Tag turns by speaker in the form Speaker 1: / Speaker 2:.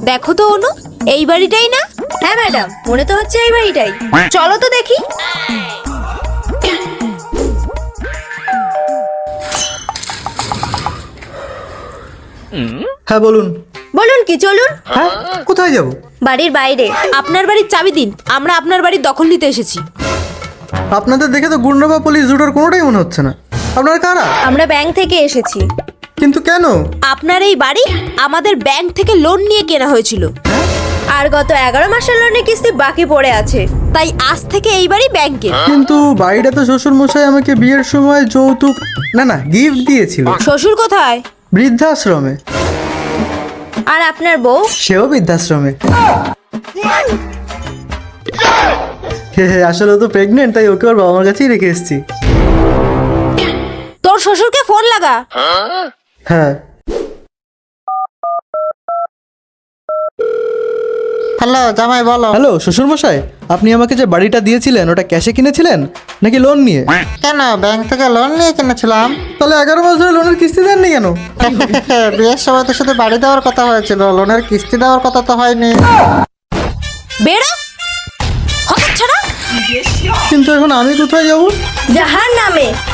Speaker 1: দেখো তো অনু, এই বাড়িটাই না?
Speaker 2: হ্যাঁ ম্যাডাম, মনে তো হচ্ছে এই বাড়িটাই। চলো তো দেখি।
Speaker 3: হ্যাঁ বলুন।
Speaker 2: বলুন কি, চলুন।
Speaker 3: হ্যাঁ, কোথায় যাব?
Speaker 2: বাড়ির বাইরে।
Speaker 1: আপনার বাড়ির চাবি দিন, আমরা আপনার বাড়ির দখল নিতে এসেছি।
Speaker 3: আপনাদের দেখে তো গুন্ডা বা পুলিশ দুটোর কোনোটাই মনে হচ্ছে না। আপনারা কারা?
Speaker 2: আমরা ব্যাংক থেকে এসেছি।
Speaker 3: কিন্তু কেন?
Speaker 1: আপনার এই বাড়ি আমাদের ব্যাংক থেকে লোন নিয়ে কেনা হয়েছিল,
Speaker 2: আর গত 11 মাসের লোনের কিস্তি বাকি পড়ে আছে।
Speaker 1: তাই আজ থেকে এই বাড়ি ব্যাংকের।
Speaker 3: কিন্তু বাড়িটা তো শ্বশুর মশাই আমাকে বিয়ের সময় যৌতুক না গিফট দিয়েছিল।
Speaker 1: শ্বশুর কোথায়?
Speaker 3: বৃদ্ধাশ্রমে।
Speaker 2: আর আপনার বউ?
Speaker 3: সেও বৃদ্ধাশ্রমে। আসলে ও তো প্রেগনেন্ট, তাই ওকে ওর বাবা মার কাছেই রেখে এসেছি।
Speaker 1: তোর শ্বশুরকে ফোন লাগা।
Speaker 3: হ্যাঁ।
Speaker 4: হ্যালো জামাই, বলো।
Speaker 3: হ্যালো শ্বশুর মশাই, আপনি আমাকে যে বাড়িটা দিয়েছিলেন ওটা ক্যাশে কিনেছিলেন নাকি লোন নিয়ে?
Speaker 4: কেন, ব্যাংক থেকে লোন নিয়ে কিনেছিলাম।
Speaker 3: তাহলে 11 মাস ধরে লোনের কিস্তি দেননি কেন?
Speaker 4: বিয়ের সময় তো শুধু বাড়ি দেওয়ার কথা হয়েছিল, লোনের কিস্তি দেওয়ার কথা তো হয়নি।
Speaker 1: বেড়া হতচ্ছাড়া।
Speaker 3: কিন্তু এখন আমি কোথায় যাব?
Speaker 2: জাহান্নামে।